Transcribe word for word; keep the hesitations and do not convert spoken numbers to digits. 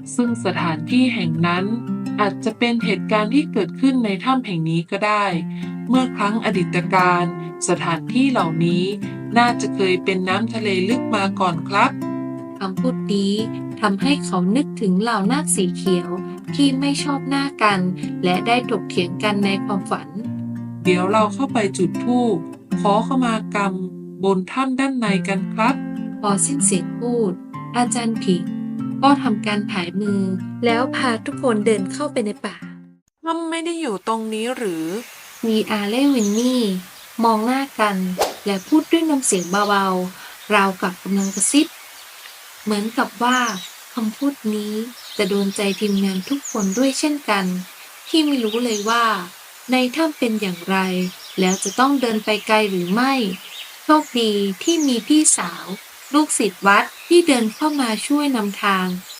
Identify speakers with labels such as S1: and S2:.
S1: ซึ่งสถานที่แห่งนั้นอาจจะเป็นเหตุการณ์ที่เกิดขึ้นในถ้ำแห่งนี้ก็ได้ เมื่อครั้งอดีตการสถานที่เหล่านี้น่าจะเคยเป็นน้ำทะเลลึกมาก่อนครับ
S2: คำพูดนี้ทำให้เขานึกถึงเหล่านาคสีเขียวที่ไม่ชอบหน้ากันและได้ถกเถียงกันในความฝัน
S1: เดี๋ยวเราเข้าไปจุดธูปขอขมากรรมบนถ้ำด้านในกันครับ
S2: พอสิ้นเสียงพูด อาจารย์ผิงก็ทำการผายมือแล้วพาทุกคนเดินเข้าไปในป่า
S1: ถ้ำไม่ได้อยู่ตรงนี้หรือ
S2: มีอาเล่วินนี่มองหน้ากันและพูดด้วยน้ำเสียงเบาๆราวกับกำลังกระซิบเหมือนกับว่าคำพูดนี้จะโดนใจทีมงานทุกคนด้วยเช่นกัน ที่ไม่รู้เลยว่าในถ้ำเป็นอย่างไร แล้วจะต้องเดินไปไกลหรือไม่โชคดีที่มีพี่สาว ลูกศิษย์วัดที่เดินเข้ามาช่วยนำทาง